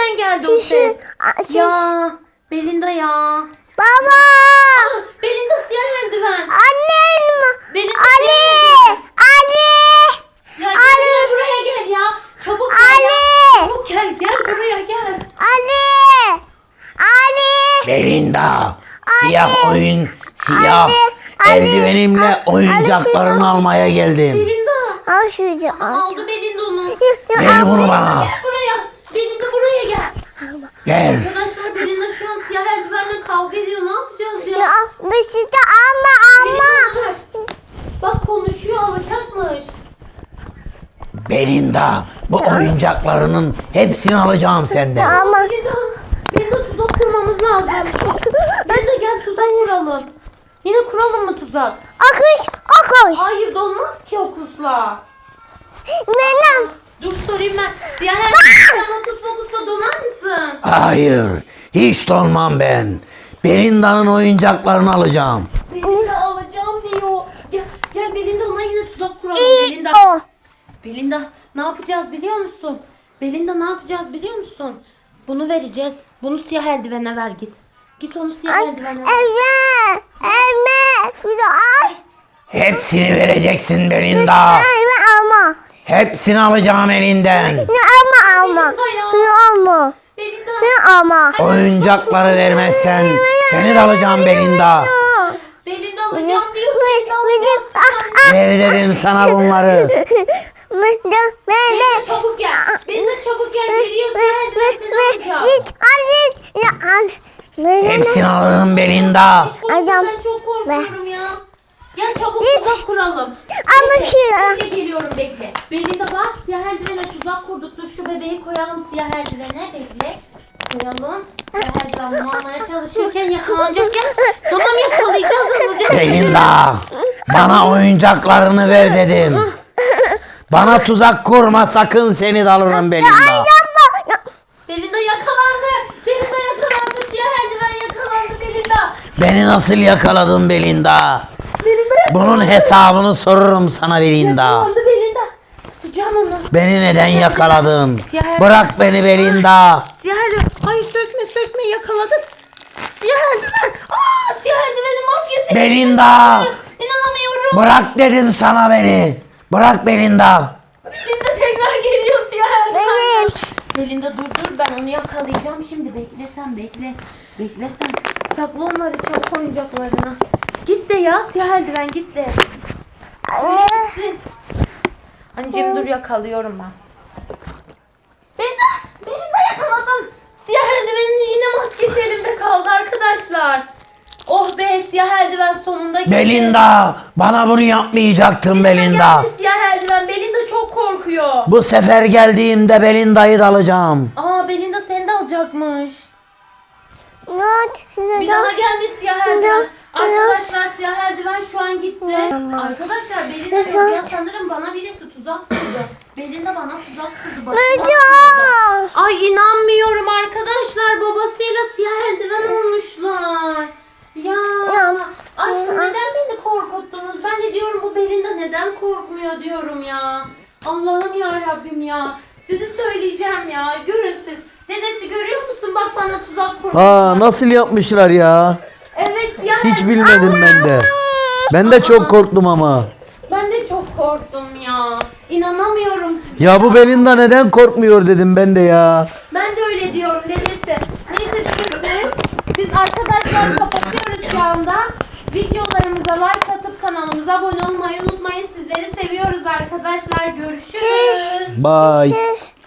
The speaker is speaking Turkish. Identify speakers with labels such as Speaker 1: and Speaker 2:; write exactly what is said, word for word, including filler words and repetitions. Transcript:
Speaker 1: nereden geldi o ses?
Speaker 2: Şiş.
Speaker 1: Ya Belinda ya.
Speaker 2: Baba.
Speaker 1: Ah, Belinda siyah eldiven.
Speaker 2: Annem.
Speaker 1: Belinda
Speaker 2: Ali.
Speaker 1: siyah eldiven.
Speaker 2: Ali.
Speaker 1: Ya gel, gel buraya gel ya. Çabuk gel ya.
Speaker 2: Ali.
Speaker 1: Çabuk gel gel buraya gel.
Speaker 2: Ali. Ali.
Speaker 3: Belinda, siyah oyun, siyah
Speaker 2: Anne,
Speaker 3: eldivenimle
Speaker 2: anne,
Speaker 3: oyuncaklarını almaya geldim.
Speaker 1: Belinda.
Speaker 2: Al şunu. Al.
Speaker 1: Aldı Belinda onu.
Speaker 3: Ver bunu bana.
Speaker 1: Gel buraya. Belinda buraya gel.
Speaker 3: Gel.
Speaker 1: Arkadaşlar Belinda şu an siyah eldivenle kavga ediyor. Ne yapacağız ya?
Speaker 2: Ya bir şey de alma alma.
Speaker 1: Belinda, dur. Bak konuşuyor, alacakmış.
Speaker 3: Belinda, bu oyuncaklarının hepsini alacağım senden.
Speaker 2: Ama
Speaker 1: Belinda, Belinda tuzak kurmamız lazım. Belinda gel tuzak kuralım. Yine kuralım mı tuzak?
Speaker 2: akış akış.
Speaker 1: Hayır dolmaz ki o kusla.
Speaker 2: Benim.
Speaker 1: Dur sorayım ben. Siyah eldiven sen o kus pokusla donar mısın?
Speaker 3: Hayır, hiç donmam ben. Belinda'nın oyuncaklarını alacağım.
Speaker 1: Belinda alacağım diyor. Gel, gel Belinda ona yine tuzak kuralım. Belinda.
Speaker 2: O.
Speaker 1: Belinda ne yapacağız biliyor musun? Belinda ne yapacağız biliyor musun? Bunu vereceğiz. Bunu siyah eldivene ver git. Git onu siyah eldivene ver.
Speaker 2: Elme. Elme. Şunu al.
Speaker 3: Hepsini vereceksin Belinda.
Speaker 2: Elme alma.
Speaker 3: Hepsini alacağım elinden.
Speaker 2: Ne alma alma.
Speaker 1: Belinda ya.
Speaker 2: Şunu alma.
Speaker 1: Belinda.
Speaker 2: Şunu alma.
Speaker 3: Oyuncakları vermezsen seni de alacağım Belinda.
Speaker 1: Belinda alacağım diyor. Belinda
Speaker 2: Benim.
Speaker 1: alacağım.
Speaker 2: Ah ah.
Speaker 3: Ver dedim sana bunları.
Speaker 2: Benim.
Speaker 1: Belinda çabuk gel. Belinda çabuk gel. Geliyor siyah eldiven seni alacağım.
Speaker 2: Git al git. Ya al.
Speaker 3: Hepsini alırım Belinda.
Speaker 1: Hiç korkma,
Speaker 2: Alacağım.
Speaker 1: ben çok korkuyorum ya. Gel çabuk tuzak kuralım.
Speaker 2: Ama
Speaker 1: Bekle,
Speaker 2: şuna.
Speaker 1: bekle geliyorum bekle. Belinda bak siyah eldivene tuzak kurduk. Dur şu bebeği koyalım siyah eldivene. Bekle. Koyalım. Siyah eldiven bunu almaya çalışırken yakalanacak ya. Tamam yakalayacağız hızlıca.
Speaker 3: Belinda, bana oyuncaklarını ver dedim. Bana tuzak kurma sakın, seni de alırım Belinda.
Speaker 2: Yapma.
Speaker 1: Belinda yakalandı. Belinda yakalandı. Siyah eldiven yakalandı Belinda.
Speaker 3: Beni nasıl yakaladın Belinda? Bunun hesabını sorurum sana Belinda.
Speaker 1: Yakalandı Belinda. Tutacağım onu.
Speaker 3: Beni neden yakaladın?
Speaker 1: Siyah-
Speaker 3: Bırak beni Belinda.
Speaker 1: Siyah eldiven. Hayır sökme sökme yakaladık. Siyah eldiven. Aa siyah eldivenin maskesi.
Speaker 3: Belinda.
Speaker 1: İnanamıyorum.
Speaker 3: Bırak dedim sana beni. Bırak Belinda.
Speaker 1: Belinda tekrar geliyor siyah eldiven.
Speaker 2: Benim.
Speaker 1: Belinda dur dur ben onu yakalayacağım şimdi. Bekle sen bekle. Bekle sen. Sakla onları çabuk oyuncaklarına. Git de ya siyah eldiven git de. Gitsin. Anneciğim dur yakalıyorum ben. Belinda! Belinda yakaladım. Siyah eldivenin yine maskesi elimde kaldı arkadaşlar. Oh be siyah eldiven sonunda geldi.
Speaker 3: Belinda, bana bunu yapmayacaktın Belinda.
Speaker 1: Geldi siyah eldiven. Belinda çok korkuyor.
Speaker 3: Bu sefer geldiğimde Belinda'yı da alacağım.
Speaker 1: Aa Belinda seni de alacakmış.
Speaker 2: Not.
Speaker 1: Bir daha gelmiş siyah eldiven. Arkadaşlar siyah eldiven şu an gitti. Arkadaşlar Belinda diyor ya sanırım bana birisi tuzak kurdu. Belinda bana tuzak kurdu. Başına kurdu. Ay inanmıyorum arkadaşlar babasıyla siyah eldiven olmuşlar. Ya aşkım neden beni korkuttunuz? Ben de diyorum bu Belinda neden korkmuyor diyorum ya. Allah'ım ya Rabbim ya. Sizi söyleyeceğim ya. Görün siz. Dedesi görüyor musun? Bak bana tuzak kurmuş.
Speaker 3: Aa, nasıl yapmışlar ya?
Speaker 1: Evet siyah
Speaker 3: Hiç
Speaker 1: eldiven.
Speaker 3: bilmedim ben de. Ben de çok korktum ama.
Speaker 1: Ben de çok korktum ya. İnanamıyorum size.
Speaker 3: Ya bu Belinda neden korkmuyor dedim ben de ya.
Speaker 1: Ben de öyle diyorum dedesi. Neyse dedesi. Biz arkadaşlar kapatıyoruz şu anda. Videolarımıza like atıp kanalımıza abone olmayı unutmayın. Sizleri seviyoruz arkadaşlar. Görüşürüz.
Speaker 3: Bye.
Speaker 2: Şiş.